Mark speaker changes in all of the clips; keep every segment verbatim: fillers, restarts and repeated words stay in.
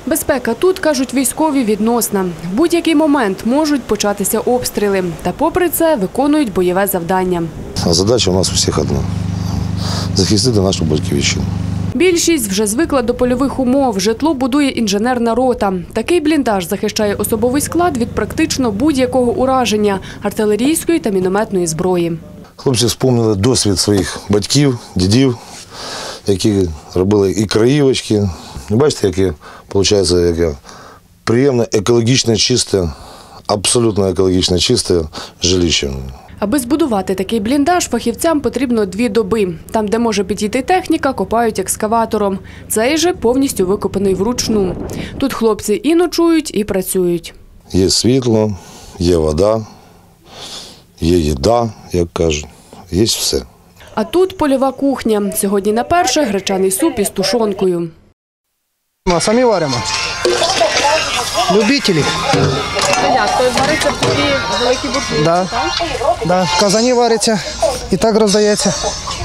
Speaker 1: Безпека тут, кажуть військові, відносна. В будь-який момент можуть початися обстріли. Та попри це виконують бойове завдання.
Speaker 2: Задача у нас у всіх одна – захистити нашу батьківщину.
Speaker 1: Більшість вже звикла до польових умов. Житло будує інженерна рота. Такий бліндаж захищає особовий склад від практично будь-якого ураження – артилерійської та мінометної зброї.
Speaker 2: Хлопці вспомнили досвід своїх батьків, дідів, які робили і краївочки. Бачите, яке, виходить, яке приємне, екологічно чисте, абсолютно екологічно чисте жилище.
Speaker 1: Аби збудувати такий бліндаж, фахівцям потрібно дві доби. Там, де може підійти техніка, копають екскаватором. Цей же повністю викопаний вручну. Тут хлопці і ночують, і працюють.
Speaker 2: Є світло, є вода, є їда, як кажуть, є все.
Speaker 1: А тут польова кухня. Сьогодні на перше – гречаний суп із тушонкою.
Speaker 3: Самі варимо. Любителі.
Speaker 1: Як? То вариться в такі великі буржуйки,
Speaker 3: да.
Speaker 1: так?
Speaker 3: Да. В казані вариться і так роздається.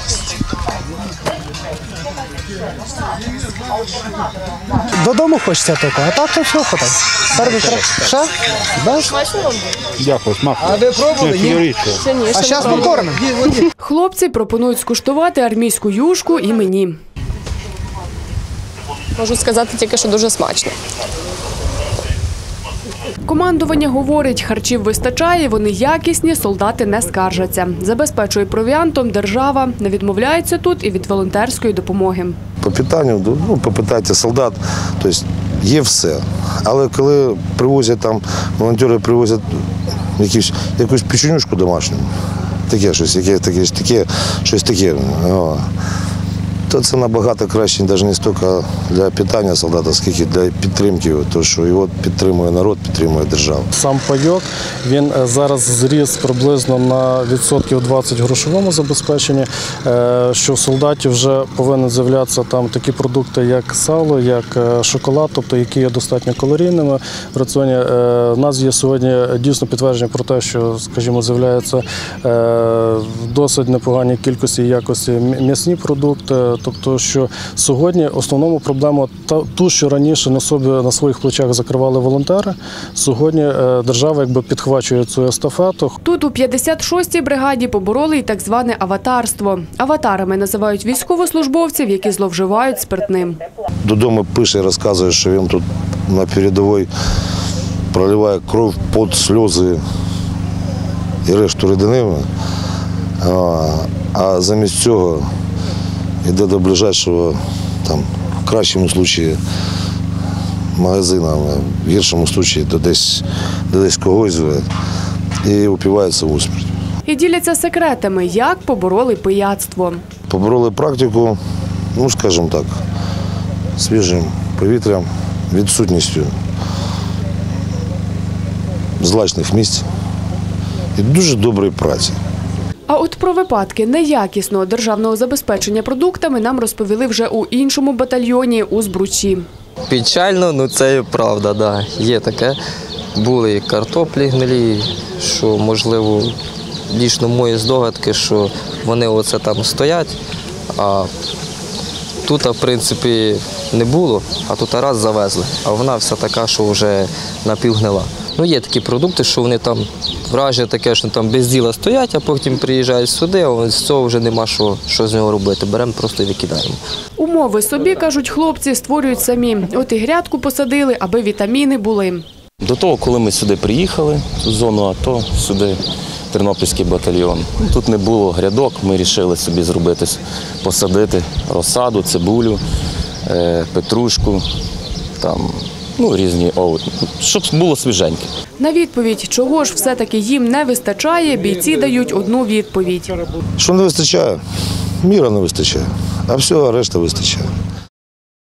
Speaker 3: Додому хочеться тільки, а так то все хватає. Ша? Да?
Speaker 4: Дякую, смак.
Speaker 3: А ви пробували? Ні. А зараз покормимо.
Speaker 1: Хлопці пропонують скуштувати армійську юшку і мені.
Speaker 5: Можу сказати тільки, що дуже смачно.
Speaker 1: Командування говорить, харчів вистачає, вони якісні, солдати не скаржаться. Забезпечує провіантом держава, не відмовляється тут і від волонтерської допомоги.
Speaker 2: По питанню, ну, попитайте солдат, тобто є все. Але коли привозять там, волонтери привозять якусь, якусь печенюшку домашню, таке щось, яке, таке, таке, щось таке, о, то це набагато краще, навіть не стільки для питання солдата, скільки для підтримки, тому що його підтримує народ, підтримує держава.
Speaker 6: Сам пайок, він зараз зріс приблизно на відсотків двадцять в грошовому забезпеченні, що в солдаті вже повинні з'являтися там такі продукти, як сало, як шоколад, тобто які є достатньо калорійними в раціоні. У нас є сьогодні дійсно підтвердження про те, що, скажімо, з'являються в досить непоганій кількості і якості м'ясні продукти. Тобто, що сьогодні основному проблему ту, що раніше на собі на своїх плечах закривали волонтери, сьогодні держава якби підхвачує цю естафету.
Speaker 1: Тут у п'ятдесят шостій бригаді побороли і так зване аватарство. Аватарами називають військовослужбовців, які зловживають спиртним.
Speaker 2: Додому пише, розказує, що він тут на передовій проливає кров, пот, сльози і решту рідини, а замість цього йде до ближайшого, там, в кращому випадку, магазина, в гіршому випадку до десь, до десь когось і упивається в усмерть.
Speaker 1: І діляться секретами, як побороли пияцтво.
Speaker 2: Побороли практику, ну, скажімо так, свіжим повітрям, відсутністю злачних місць і дуже доброї праці.
Speaker 1: А от про випадки неякісного державного забезпечення продуктами нам розповіли вже у іншому батальйоні у Збручі.
Speaker 7: Печально, ну це і правда, да. Є таке. Були і картоплі гнилі, що, можливо, дійсно мої здогадки, що вони оце там стоять, а тут, в принципі, не було, а тут раз завезли, а вона вся така, що вже напівгнила. Ну, є такі продукти, що вони там, враження таке, що там без діла стоять, а потім приїжджають сюди, а з цього вже нема що, що з нього робити. Беремо просто і викидаємо.
Speaker 1: Умови собі, кажуть хлопці, створюють самі. От і грядку посадили, аби вітаміни були.
Speaker 8: До того, коли ми сюди приїхали, в зону АТО, сюди Тернопільський батальйон, тут не було грядок, ми вирішили собі зробити, посадити розсаду, цибулю, петрушку, там, ну, різні овочі, щоб було свіженьке.
Speaker 1: На відповідь, чого ж все-таки їм не вистачає, бійці дають одну відповідь.
Speaker 2: Що не вистачає? Міра не вистачає, а всього решта вистачає.